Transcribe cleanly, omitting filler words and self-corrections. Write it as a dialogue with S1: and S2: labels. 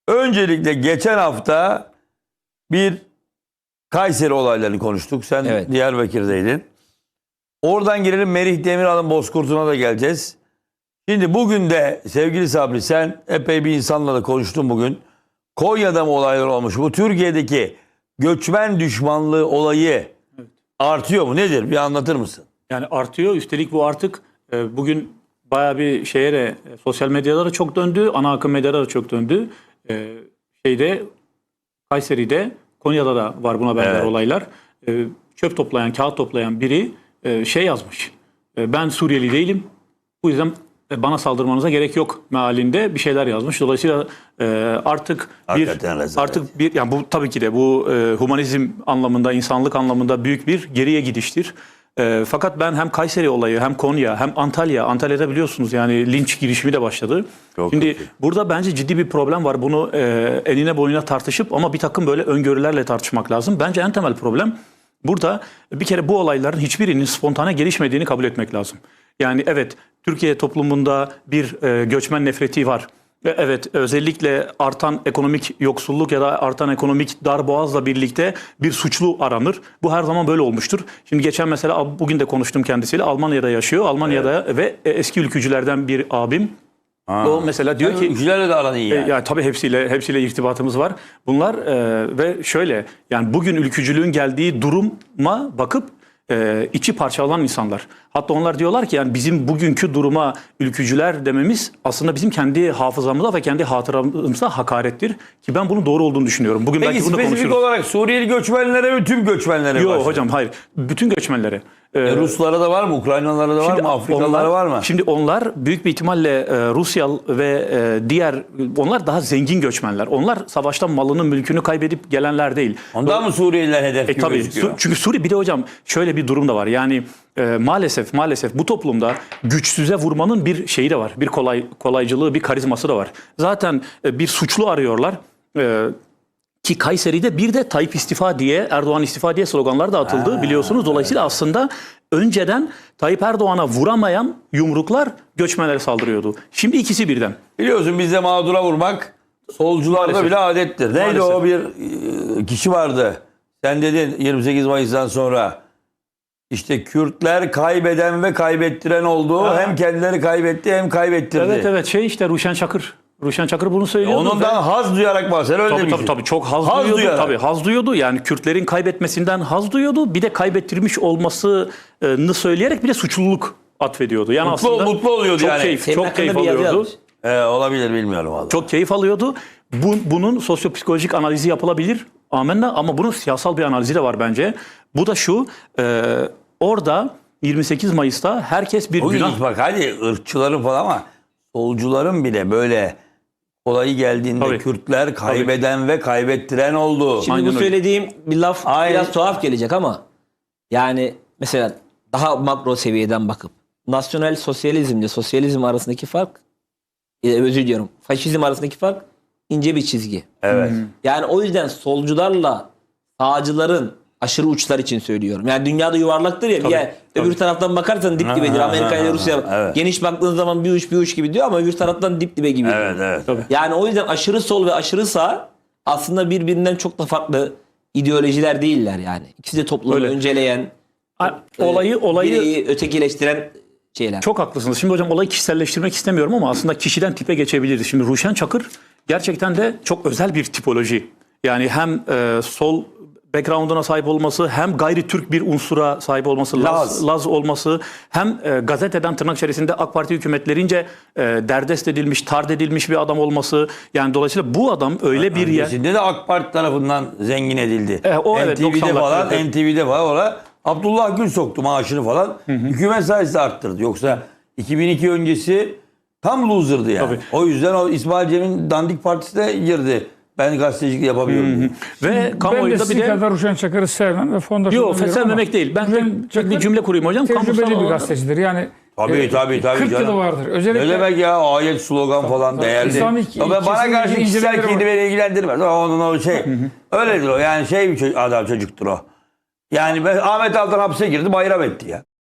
S1: Öncelikle geçen hafta bir Kayseri olaylarını konuştuk. Sen
S2: Evet.
S1: Diyarbakır'daydın. Oradan girelim, Merih Demiral'ın Bozkurt'una da geleceğiz. Şimdi bugün de sevgili Sabri, sen epey bir insanla da konuştun bugün. Konya'da mı olaylar olmuş? Bu Türkiye'deki göçmen düşmanlığı olayı artıyor mu? Nedir? Bir anlatır mısın?
S3: Yani artıyor. Üstelik bu artık bugün bayağı bir şeye de sosyal medyalara çok döndü. Ana akım medyalara çok döndü. Kayseri'de, Konya'da da var buna benzer olaylar. Çöp toplayan, kağıt toplayan biri yazmış. Ben Suriyeli değilim. Bu yüzden bana saldırmanıza gerek yok mealinde bir şeyler yazmış. Dolayısıyla artık yani bu tabii ki de bu humanizm anlamında, insanlık anlamında büyük bir geriye gidiştir. Fakat ben hem Kayseri olayı, hem Konya, hem Antalya'da biliyorsunuz yani linç girişimi de başladı. Şimdi burada bence ciddi bir problem var. Bunu enine boyuna tartışıp ama bir takım böyle öngörülerle tartışmak lazım. Bence en temel problem burada bir kere bu olayların hiçbirinin spontane gelişmediğini kabul etmek lazım. Yani evet, Türkiye toplumunda bir göçmen nefreti var. Evet, özellikle artan ekonomik yoksulluk ya da artan ekonomik darboğazla birlikte bir suçlu aranır. Bu her zaman böyle olmuştur. Şimdi geçen mesela bugün de konuştum kendisiyle. Almanya'da yaşıyor. Almanya'da ve eski ülkücülerden bir abim. O mesela diyor ki
S1: ülkücülerle de aran iyi yani.
S3: Yani tabii hepsiyle irtibatımız var. Bunlar ve şöyle yani bugün ülkücülüğün geldiği duruma bakıp içi parçalanan insanlar. Hatta onlar diyorlar ki yani bizim bugünkü duruma ülkücüler dememiz aslında bizim kendi hafızamıza ve kendi hatıramıza hakarettir. Ki ben bunun doğru olduğunu düşünüyorum. Bugün
S1: Peki
S3: belki bunu da
S1: spesifik
S3: konuşuruz.
S1: olarak Suriyeli göçmenlere mi, tüm göçmenlere mi?
S3: Yok hocam, hayır. Bütün göçmenlere.
S1: Ruslara da var mı? Ukraynalara da var mı? Afrikalılara var mı?
S3: Şimdi onlar büyük bir ihtimalle Rusya ve onlar daha zengin göçmenler. Onlar savaştan malını, mülkünü kaybedip gelenler değil.
S1: Ondan mı Suriyeliler hedef gibi
S3: Tabii.
S1: gözüküyor?
S3: Çünkü Suriye, bir de hocam şöyle bir durum da var. Yani maalesef bu toplumda güçsüze vurmanın bir şeyi de var. Bir kolaycılığı, bir karizması da var. Zaten bir suçlu arıyorlar. Ki Kayseri'de bir de Tayyip istifa diye, Erdoğan istifa diye sloganlar da atıldı biliyorsunuz. Dolayısıyla aslında önceden Tayyip Erdoğan'a vuramayan yumruklar göçmenlere saldırıyordu. Şimdi ikisi birden.
S1: Biliyorsun bizde mağdura vurmak solcularda
S3: Maalesef.
S1: bile adettir. Neydi
S3: Maalesef.
S1: o bir kişi vardı. Sen dedin 28 Mayıs'tan sonra işte Kürtler kaybeden ve kaybettiren oldu. Hem kendileri kaybetti hem kaybettirdi.
S3: Evet işte Ruşen Çakır. Ruşen Çakır bunu söylüyordu.
S1: Onundan haz duyarak bahseder, öyle demişsin.
S3: Tabii çok haz duyuyordu.
S1: duyarak.
S3: Tabii haz duyuyordu. Yani Kürtlerin kaybetmesinden haz duyuyordu. Bir de kaybettirmiş olmasını söyleyerek bir de suçluluk atfediyordu. Yani
S1: Mutlu oluyordu
S3: çok
S1: yani.
S3: Çok keyif alıyordu.
S1: Olabilir, bilmiyorum vallahi.
S3: Çok keyif alıyordu. Bunun sosyopsikolojik analizi yapılabilir. Amenna, ama bunun siyasal bir analizi de var bence. Bu da şu. Orada 28 Mayıs'ta herkes bir günah...
S1: Bak hadi ırkçıların falan ama solcuların bile böyle olayı geldiğinde Kürtler kaybeden ve kaybettiren oldu.
S2: Şimdi
S3: Aynen
S2: bu söylediğim bir laf biraz tuhaf gelecek ama yani mesela daha makro seviyeden bakıp nasyonel sosyalizmle sosyalizm arasındaki fark, özür diliyorum, faşizm arasındaki fark ince bir çizgi.
S1: Evet.
S2: Yani o yüzden solcularla sağcıların aşırı uçlar için söylüyorum. Yani dünyada yuvarlaktır ya. Öbür taraftan bakarsan dip dibedir. Amerika ile Rusya geniş baktığın zaman bir uç gibi diyor ama öbür taraftan dip dibe gibi.
S1: Evet.
S2: Yani o yüzden aşırı sol ve aşırı sağ aslında birbirinden çok da farklı ideolojiler değiller yani. İkisi de toplumu önceleyen, bireyi ötekileştiren şeyler.
S3: Çok haklısınız. Şimdi hocam olayı kişiselleştirmek istemiyorum ama aslında kişiden tipe geçebiliriz. Şimdi Ruşen Çakır gerçekten de çok özel bir tipoloji. Yani hem sol background'una sahip olması, hem gayri Türk bir unsura sahip olması, Laz olması, hem gazeteden tırnak içerisinde AK Parti hükümetlerince derdest edilmiş, tard edilmiş bir adam olması. Yani dolayısıyla bu adam öyle bir yer...
S1: Öncesinde de AK Parti tarafından zengin edildi. NTV'de falan Abdullah Gül soktu maaşını falan. Hükümet sayesinde arttırdı. Yoksa 2002 öncesi tam loser'dı yani.
S3: Tabii.
S1: O yüzden o İsmail Cem'in dandik partisine girdi. Ben gazetecilik yapabiliyorum.
S3: Ve kamuoyunda bir de...
S4: kadar Ruşen Çakır'ı sevmem ve fondasyonu
S3: Yok, sevmemek değil. Ben bir cümle kurayım hocam.
S4: Tecrübeli bir gazetecidir. Yani
S1: Tabii
S4: 40 yılı vardır. Özellikle
S1: ne demek ya, ayet, slogan falan değerli. Bana karşı kişisel kedi beni ilgilendirmez. Onun o şey. Öyledir o. Yani bir adam çocuktur o. Yani Ahmet Altan hapse girdi, bayram etti ya.